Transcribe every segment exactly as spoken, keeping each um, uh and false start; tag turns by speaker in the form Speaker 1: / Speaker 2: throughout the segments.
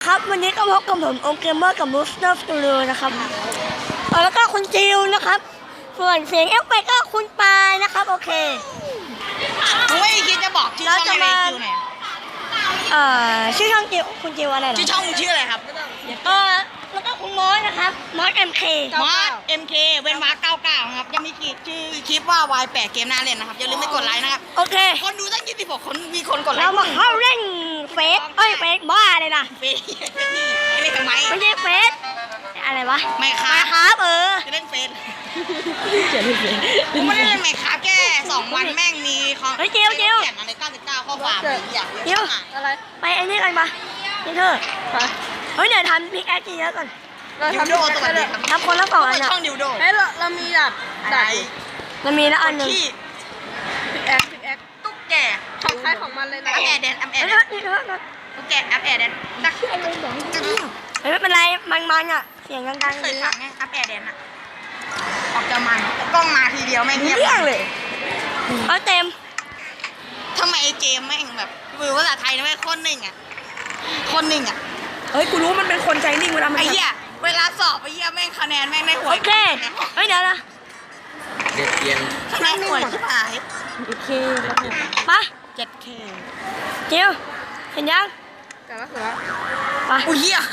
Speaker 1: ครับวันนี้ก็พบกับผมโอเกมเมอร์กับมูสเตอร์สตูดิโอนะครับแล้วก็คุณจิวนะครับส่วนเสียงเอฟเฟกต์ก็คุณปายนะครับโอเค
Speaker 2: มึงไม่คิดจะบอกชื่อช่องในจิวไหน
Speaker 1: เอ่อชื่อช่องจิวคุณจิวอะไรหรอ
Speaker 2: ชื่อช่องมึงชื่ออะไรครับ
Speaker 1: เออแล้วก็คุณมอสนะครับมอสเอ็มเค
Speaker 2: มอสเอ็มเคเว้นวรรคเก้าเก้าครับยังมีชื่อคลิปว่าวายแปดเกมน่าเล่นนะครับอย่าลืมไปกดไลค์นะครับ
Speaker 1: โอเค
Speaker 2: คนดูตั้งยี่สิบหกคนมีคนกดไลค์
Speaker 1: เรามาเข้าเล่นเฟซเอ้ยเฟซบ้าเลยนะ
Speaker 2: เฟซไม่เล่นทำไม
Speaker 1: ไม่ใช่เฟซอะไรวะ
Speaker 2: ไม่ครับ
Speaker 1: ครับเออ
Speaker 2: จะเล่นเฟซกูไม่ได้เล่นไม่ครับแค่สองวันแม่งมีของ
Speaker 1: เฮ้ยจิวจิว
Speaker 2: เขียนอะไรเก้าสิบเก้าข้อความอยาก
Speaker 1: จิวอะไรไปไอ้นี่กันปะนี่เธอเฮ้ยเดี๋ยวทำพิกแอคเยอะก่อน
Speaker 2: เราทำโดสวัสดีครับ
Speaker 1: ทำคนละสองอัน
Speaker 2: ช่องดิวโด
Speaker 3: เฮ้ยเราเรามีแบบ
Speaker 2: ไหน
Speaker 1: เรามีละอันหนึ่ง
Speaker 3: พิกแอคพิกแอค
Speaker 2: ตุ๊กแก
Speaker 3: ของใครของมันเลยนะ
Speaker 2: แอปแอร์แดนแอปแอร์แดนตุ๊กแกแอปแอร์แดนนัก
Speaker 1: เฮ้ยไม่เป็นไรมันมันอ่ะเสียงดังๆ
Speaker 2: เคยฟังไงแอปแอร์แดนอะออกจะมันกล้องมาทีเดียวแม่งเงียบ
Speaker 1: เลยเอาเต็ม
Speaker 2: ทำไมไอเจมแม่งแบบมือภาษาไทยนะแม่คนหนึ่งอ่ะคนหนึ่งอ่ะ
Speaker 3: เฮ้ยกูรู้มันเป็นคนใจนิ่งเวลามัน
Speaker 2: ไอ้เหี้ยเวลาสอบไอ้เหี้ยแม่งคะแนนแม่งได้หวย
Speaker 1: โอเคเฮ้ยเดี๋ยวนะ
Speaker 4: เด็ดเตียง
Speaker 2: คะแนนหวยชิบหาย
Speaker 1: โอเคปะ
Speaker 2: เจ็ดเค
Speaker 1: จิวเห็นยัง
Speaker 3: แต่ละเสือ
Speaker 1: ปะ
Speaker 2: อุ้ยเหี้ย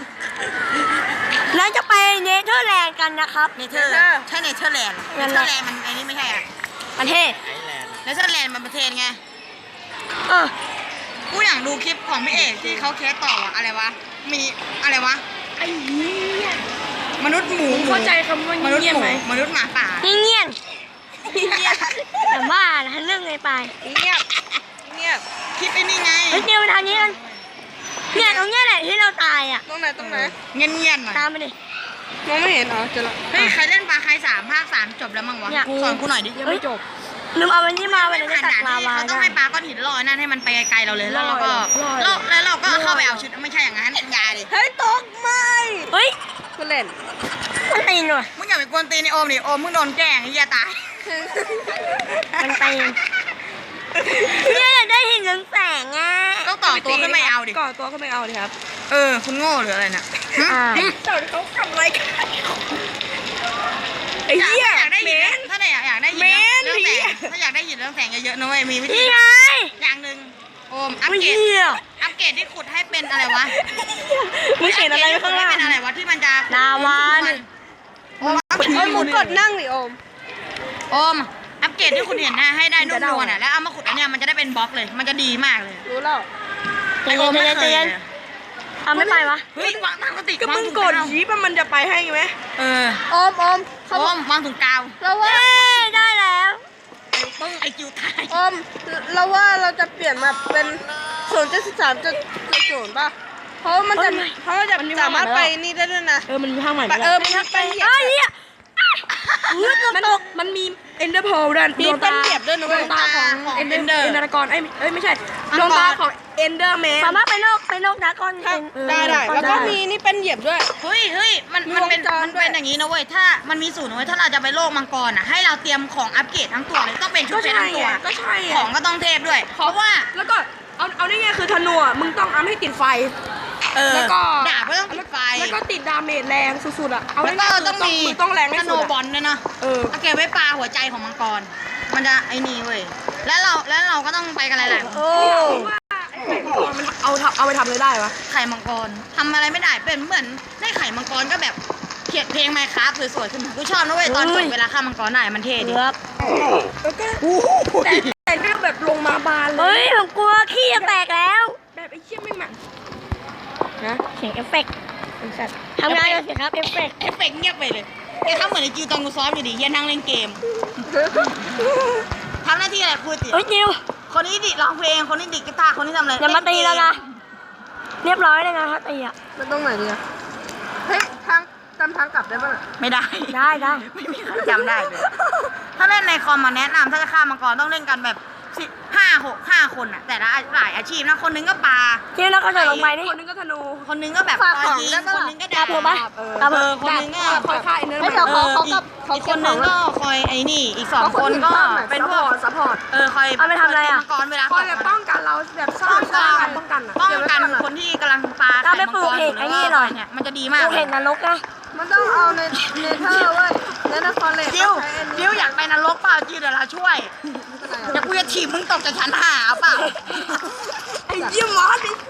Speaker 1: แล้วจะไปเนเธอร์แลนด์กันนะครับ
Speaker 2: เนเธอร์ใช่เนเธอร์แลนด์เนเธอร์แลนด์มันไอ้นี่ไม่ใช่อ่ะ
Speaker 1: ประเทศ
Speaker 2: เนเธอร์แลนด์มันประเทศไง
Speaker 1: เออ
Speaker 2: กูอยากดูคลิปของพี่เอกที่เขาเคสต่ออะอะไรวะมีอะไรวะ
Speaker 3: ไอ้เหี้ย
Speaker 2: มนุษย์หมู
Speaker 3: เข้าใจคำว่าม
Speaker 2: นุษย์หมูมนุษย์หมาป่า
Speaker 1: เงียบแต่ว่าเรื่องไงไป
Speaker 3: เงียบเงียบ
Speaker 2: คลิปไอ้นี่ไง
Speaker 1: เฮ้ยจิวทางนี้กันเนี่ยตรงเนี้ยแหละที่เราตายอ่ะ
Speaker 3: ตรงไหนตรงไหน
Speaker 2: เงียบเงียบหน่อย
Speaker 1: ตามไปดิ
Speaker 3: มองไม่เห็นเหรอเจอละ
Speaker 2: เฮ้ยใครเล่นปลาใครสามภาคสามจบแล้วมั้งวะสอนกูหน่อยดิ
Speaker 3: ยังไม่จบ
Speaker 1: ลืมเอาวันนี้มาวันนี้ตักลาวา
Speaker 2: เขาต้องให้ปลาก้อนหินลอยนั่นให้มันไปไกลๆเราเลยแล้วเราก็แล้วเราก็เข้าไปเอาชุดไม่ใช่อย่างนั้นยาดิ
Speaker 3: เฮ้ยตกไม่
Speaker 1: เฮ้ย
Speaker 3: กูเล่น
Speaker 1: มันตีนว่ะ
Speaker 2: มึงอย่าไปกวนตีนโอมดิโอมมึงโดนแกล้งไอ้เหี้ยตาย
Speaker 1: มันตีนเนี่ยอยากได้หินเรืองแสงอ่ะ
Speaker 2: ต้องต่อตัวขึ้นไม่เอาดิ
Speaker 3: ก่อตัวขึ้นไม่เอาดิครับ
Speaker 2: เออคุณโง่หรืออะไรน่ะ
Speaker 3: เจ้าเขาทำอะไรกันไอ้เหี้ย
Speaker 2: อยากได้ยินถ้าไหนอยากได้ยินเรื่องแสงถ้าอยากได้ยินเรื่องแสงเยอะๆนะเว้ยมีวิธีอย่างหนึ่งโอมอัปเกรดอัปเกรดที่ขุดให้เป็นอะไรวะ
Speaker 1: มึงเห็นอะไรข้างล่าง
Speaker 2: เป็นอะไรวะที่มันจะ
Speaker 1: ลาวา
Speaker 3: โอมมึงกดนั่งดิโอม
Speaker 2: โอมอัปเกรดที่คุณเห็นนะให้ได้นุ่มนวลอ่ะแล้วเอามาขุดอันเนี้ยมันจะได้เป็นบล็อกเลยมันจะดีมากเลย
Speaker 3: รู้แล้ว
Speaker 2: ไอโอมไม่เคย
Speaker 1: ทำไม่ไปวะ
Speaker 2: เฮ้ยวางตั้งกติ
Speaker 3: ก็มึงกดยีบมันจะไปให้ไหม
Speaker 2: เออ
Speaker 3: โอมโอม
Speaker 2: โอมวางถุงกาว
Speaker 3: เราว่า
Speaker 1: ได้แล้ว
Speaker 2: ปึ้งไอจิวตาย
Speaker 3: โอมเราว่าเราจะเปลี่ยนมาเป็นศูนย์จุดสิบสามจุดศูนย์ป่ะเพราะมันจะเพราะจะสามารถไปนี่ได้ด้วยนะ
Speaker 1: เออมันมีภาคใหม่
Speaker 3: เออมันไปเหยียบ
Speaker 1: มันมันมีเอ็นเดอร์โพลด้วย
Speaker 3: มีเป็นเหยียบด้วยนะ
Speaker 1: ดวงตาของเอ็นเดอร์เอ็นเดอร์กรเอ้ยเอ้ยไม่ใช่ดวงตาของเอ็นเดอร์แมนสามารถไปโลกไปโลกดากอน
Speaker 3: ได้ได้แล้วก็มีนี่เป็นเหยียบด้วย
Speaker 2: เฮ้ยเฮ้ยมันมันเป็นมันเป็นอย่างนี้นะเว้ยถ้ามันมีสูตรนะเว้ยถ้าเราจะไปโลกมังกรอ่ะให้เราเตรียมของอัปเกรดทั้งตัวเลยต้องเป็นชุดเพชรทั้งตัว
Speaker 3: ก็ใช่
Speaker 2: ของก็ต้องเทพด้วยเพราะว่า
Speaker 3: แล้วก็เอาเอาได้ไงคือธนูมึงต้องอัพให้ติดไฟ
Speaker 2: แล้วก็ดาบก็ต้องติดไฟ
Speaker 3: แล้วก็ติดดาเมจแรงสุดๆอ่ะ
Speaker 2: เอาแล้วก็ต้องมี
Speaker 3: ต้องแรงให้สุด
Speaker 2: ธนูบอลด้วยนะ
Speaker 3: เออ
Speaker 2: เอาเก็บไว้ปลาหัวใจของมังกรมันจะไอ้นี่เว้ยแล้วเราแล้วเราก็ต้องไปกันหลายๆ
Speaker 3: โอ้มันเอาเอาไปทำอะไรได้วะ
Speaker 2: ไข่มังกรทำอะไรไม่ได้เป็นเหมือนได้ไข่มังกรก็แบบเขียนเพลงไมค์คราฟสวยๆขึ้นมากูชอบนะเว้ยตอนจบเวลาฆ่ามังกรได้มันเท่ดี
Speaker 1: ครับ
Speaker 3: แล้วก็แต่แต่เรื่องแบบลงมาบานเลย
Speaker 1: เฮ้ยผมกลัวขี้จะแตกแล้ว
Speaker 3: แบบไอ้เชี่ยไม่หมัน
Speaker 1: นะเสียงเอฟเฟกต์ทำงานเลยสิครับเอฟเฟกต์
Speaker 2: เอฟเฟกต์เงียบไปเลยแกทำเหมือนไอ้จิวตอนกูซ้อมอยู่ดิเย็นนั่งเล่นเกมทำหน้าที่อะไรพูดสิ
Speaker 1: เฮ้ยจิว
Speaker 2: คนนี้ดิร้องเพลงคนนี้ดิกีตาร์คนนี้ทำอะไร
Speaker 1: อย่ามาตีแล้วนะเรียบร้อยเลยนะครับตีอ่ะ
Speaker 3: มันตรงไหนดีอ่ะเฮ้ยทางจำทางกลับได้ป่ะ
Speaker 2: ไม่ได้
Speaker 1: ได้ได้
Speaker 2: ไม่มีใครจำได้เลยถ้าเล่นในคอมมาแนะนำถ้าจะฆ่ามังกรต้องเล่นกันแบบสิห้าหกห้าคนอ่ะแต่ละหลายอาชีพนะคนนึงก็ปลา
Speaker 1: ที่แล้วก็จะลงไปนี่
Speaker 3: คนนึงก็ธนู
Speaker 2: คนนึงก็แบบ
Speaker 1: ฝากของ
Speaker 2: ยิงคนนึงก็ดาบ
Speaker 1: เพิ่มปะ
Speaker 2: เออคนนึงก็
Speaker 3: คอยฆ่าอินเนอร์
Speaker 1: ไม่เขาเขาเขากับ
Speaker 2: อีกคนนึงก็คอยไอ้นี่อีกสองคนก็เป็นพวก
Speaker 3: ซัพพอร์ต
Speaker 2: เออคอย
Speaker 1: เอาไปทำอะไรอ่ะ
Speaker 2: มังกรเวลา
Speaker 3: คอยแบบป้องกันเราแบบสร้างการป้องกัน
Speaker 2: ป้องกันคนที่กำลังปลา
Speaker 1: เอาไปไปปลูกเห็ดไอ้นี่หน่อย
Speaker 2: เนี่ยมันจะดี
Speaker 1: ป
Speaker 2: มาก
Speaker 1: ลูกเห็ดนรกนะ
Speaker 3: มันต้องเอาในเนเธอร์เว้ยในนครเลส
Speaker 2: จิวจิวอยากไปนรกเปล่าจิวเดี๋ยวเราช่วยเดี๋ยวกูจะถีบมึงตกจากชั้นห้าเอาเปล่า
Speaker 3: ไอ้ยี่มอสนี่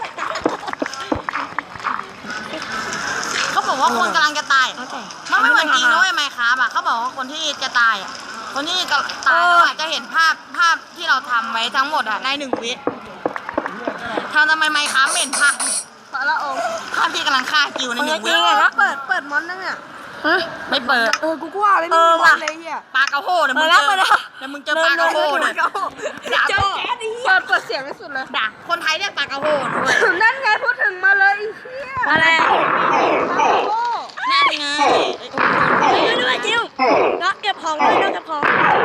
Speaker 2: เขาบอกว่าคนกำลังจะตาย
Speaker 1: เอาแต่
Speaker 2: มันไม่เหมือนจริงนะเว้ยไมค์ครับอ่ะเขาบอกว่าคนที่จะตายอ่ะคนที่จะตายแล้วอาจจะเห็นภาพภาพที่เราทำไว้ทั้งหมดอ่ะในหนึ่งวิทำทำไมไมค์ครับเห็นภาพ
Speaker 3: พระละองค์
Speaker 2: ภาพที่กำลังฆ่าจิวในหนึ่งวิ
Speaker 3: เปิดเปิดมอนนั่งเนี่ย
Speaker 1: ฮะ
Speaker 2: ไม่เปิด
Speaker 3: เออกูก็ว่าเลย
Speaker 1: เอ
Speaker 3: ไม่
Speaker 1: อ
Speaker 3: มีม
Speaker 1: ว่ะ
Speaker 3: อนเลยเฮีย
Speaker 2: ปลากระโหเดี๋ยวมึง
Speaker 1: เออ
Speaker 2: เจ
Speaker 1: แล้ว
Speaker 2: อ
Speaker 1: เปิดแล้ว
Speaker 2: เดี๋ยวมึงเจอปลากระโหเนี่ยด่า
Speaker 3: เจอ
Speaker 2: พ่อ
Speaker 3: แก๊สดิเปิดเปิดเสียงที่สุดเลย
Speaker 2: ด่าคนไทยเรียกปลากระโหด้วย
Speaker 3: นั่นไงพูดถึงมาเลยไอ้เฮีย
Speaker 1: อะไรอ่ะ
Speaker 3: โอ้
Speaker 2: นั่นไง
Speaker 1: ช่วยด้วยจิวน้องเก็บของด้วยน้องเก็บของ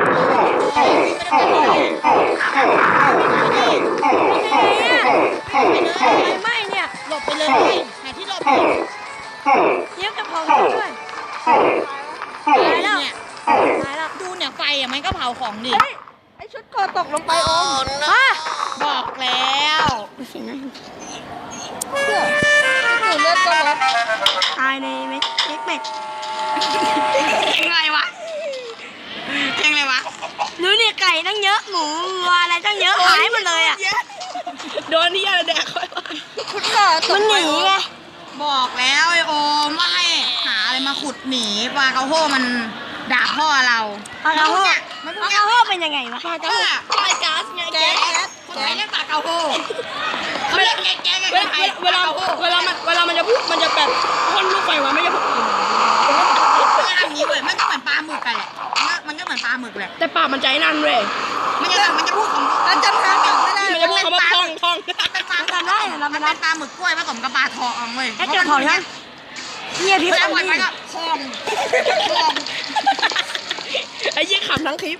Speaker 1: ไม่เนี่ย
Speaker 2: หลบไปเลยหาที่หลบ
Speaker 1: เดี๋ยวเก็บของด้วยตายแล้ว
Speaker 2: เนี่ย
Speaker 1: ตายแล้ว
Speaker 2: ดูเนี่ยไฟอ่ะมันก็เผาของดิ
Speaker 3: เฮ้ยไอชุดเกอตกลงไปโอ้
Speaker 1: ฮะ
Speaker 2: บอกแล้ว
Speaker 1: เสียงนะ
Speaker 3: เสื้อหนูเลือดก็ลด
Speaker 1: ตายในเม็ดเม็ดเม็ด
Speaker 2: เพลงอะไรวะเพลงอะไรวะ
Speaker 1: ดูนี่ไก่ตั้งเยอะหมูวัวอะไรตั้งเยอะหายหมดเลยอ่ะ
Speaker 3: โดนที่อะไรแดกไปชุดเกอต
Speaker 1: มัน
Speaker 3: ก
Speaker 1: ห
Speaker 3: ไป
Speaker 1: นีไง
Speaker 2: บอกแล้วไอโอมว่าให้หาอะไรมาขุดหนีปลากระโหมันด่าพ่อเรา
Speaker 1: ปลากระโฮ
Speaker 2: เนี่ยมัน
Speaker 1: ปลากระโฮเป็นยังไงวะ
Speaker 2: ปลากระโหไฟก๊าซไงแก๊สคนไทยเรียกปลากระโหเขาเรียกแก๊สแก๊สกันคนไทย
Speaker 3: เวลาเวลามันเวลามันจะพูดมันจะแบบพ่นลูกไฟมาไม่ใช่พวกอื่น
Speaker 2: มันจะทำอย่างนี้เว้ยมันก็เหมือนปลาหมึกกันแหละมันก็เหมือนปลาหมึกแหละ
Speaker 3: แต่ปากมันใจนั่นเว้ย
Speaker 2: มันจะมันจะพูดของมันจำทางกลับไม่ได้
Speaker 3: มันจะพูดคำว่าท่องท่อง
Speaker 2: เป็นปลา
Speaker 1: จำได้เหรอเรา
Speaker 2: มั
Speaker 1: ไม่
Speaker 2: น
Speaker 1: ได้
Speaker 2: เป็นปลาหมึกกล้วยผสมกับปลาทองเว้ย
Speaker 1: ไอ้เก็บของยังเนี่ยพี่
Speaker 2: เว
Speaker 1: ฟั
Speaker 2: ลาง วัน
Speaker 1: นี่
Speaker 2: ไปก็ทองทอง
Speaker 3: ไอ้ยี่ขำทั้งคลิป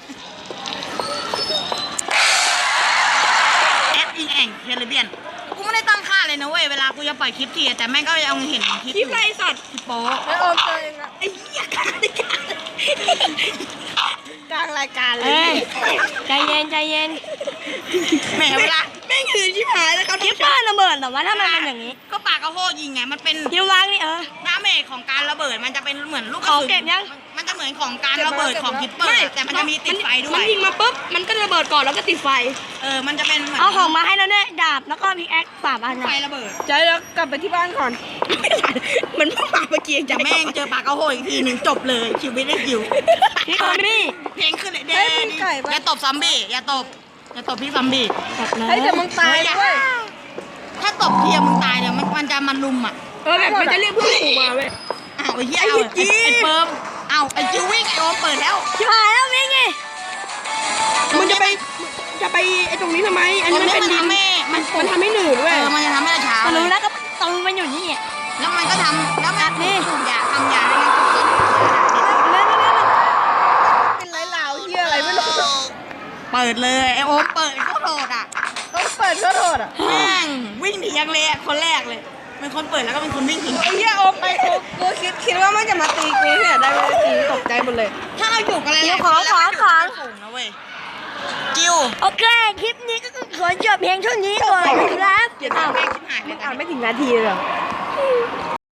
Speaker 2: แอปอิงแองเฮลเบียนกูไม่ได้ตั้งค่าเลยนะเว้ยเวลากูจะปล่อยคลิปทีแต่แม่งก็ยังเห็นคลิป
Speaker 3: คลิปไรสัตว์
Speaker 2: คลิปโป๊
Speaker 3: ไอโอมเจอเองอะ
Speaker 2: ไอ้เหี้ยกลางรายการ
Speaker 3: กลางรายการเล
Speaker 1: เอ้
Speaker 3: ย
Speaker 1: ยใจเย็นใจเย็น
Speaker 2: แหมเวลา
Speaker 3: แม่งคือชิบหายแล้วครับ
Speaker 1: คิดว่าระเบิดแต่ว่าถ้ามันเป็นอย่างนี้
Speaker 2: ก็ปากกระโหยิงไงมันเป็น
Speaker 1: คิววางนี่เออ
Speaker 2: ดาเมจของการระเบิดมันจะเป็นเหมือนลูกกระ
Speaker 1: ของ
Speaker 2: สุน
Speaker 1: เก็บยัง
Speaker 2: มันจะเหมือนของการระเบิดของคิปเปอร์แต่มันจะมีติดไฟด้ว
Speaker 3: มัน
Speaker 2: ย
Speaker 3: ยิงมาปุ๊บมันก็ระเบิดก่อนแล้วก็ติดไฟ
Speaker 2: เออมันจะเป็นเหมือน
Speaker 1: เอาของมาให้เราด้วยดาบแล้วก็พิกแอคสามอัน
Speaker 2: ไฟ
Speaker 1: นะ
Speaker 2: ระเบิด
Speaker 3: ใจแล้วกลับไปที่บ้านก่อน มันเพิ่งมาเมื่อกี้
Speaker 2: จะแม่งเจอปากกระโหอีกทีหนึ่งจบเลยชีวิตได้คิว
Speaker 1: พี่คอมบี้
Speaker 2: เพลงขึ้นเลยเด้อย่าตบซอมบี้อย่าตบอย่าตบพี่ซอมบี้
Speaker 1: แบบนั้น
Speaker 3: เฮ้ยเดี๋ยวมึงตายด้วย
Speaker 2: ถ้าตบเทียมึงตายเดี๋ยวมันมันจะมันลุมอ่ะ
Speaker 3: เออแบบมันจะเรียกเพื่อนฝูงมาเว้ย
Speaker 2: อ้าวไอ้เหี้ยเอาไอ้ไอ้เปิมเอาไอ้จิววิ่งไอ้โอมเปิดแล้ว
Speaker 1: ชิบหายแล้ววิ่งไง
Speaker 3: มึงจะไปจะไปไอ้ตรงนี้ทำไม อันนี้มันเป็นดิน
Speaker 2: ทำให้มัน
Speaker 3: มันทำให้หนืด
Speaker 2: เอ
Speaker 3: เว้ย
Speaker 2: อมันจะทำให้เราเช้า
Speaker 1: ก็
Speaker 2: เล
Speaker 1: รู้
Speaker 2: ย
Speaker 1: แล้วก็ตรงมันอยู่นี่อ่ะ
Speaker 2: แล้วมันก็ทำแล้วมัน
Speaker 1: นี่
Speaker 2: ปลูกยาทำยาให้มันปลูกต้น
Speaker 1: เล่นเล่น
Speaker 3: เป็นไรลาวเฮียอะไรไม่รู้
Speaker 2: เปิดเลยไอ้โอมเปิดโคตรโหดอ่ะ
Speaker 3: ต้องเปิดก็โทษอ่ะ
Speaker 2: แม่งวิ่งหนีอย่างเลยอะคนแรกเลยเป็นคนเปิดแล้วก็เป็นคนวิ่งหนี
Speaker 3: ไอ้เฮียโอมไปกูกูคิดคิดว่ามันจะมาตีกูเนี่ยได้ไม่ได้ตีตกใจหมดเลย
Speaker 2: ถ้าเราอยู่กันหลายๆคนแล้วมันอยู่เป็นฝูงนะเว้ยจิว
Speaker 1: โอเคคลิปนี้ก็ขอจบเพียงเท่านี้ก่อนนะครับ
Speaker 3: เดี๋ยว
Speaker 1: อ้าว
Speaker 2: แม่งชิบหายเล
Speaker 3: มึ
Speaker 2: ย
Speaker 3: งอ่านไม่ถึงนาทีเลยเหรอ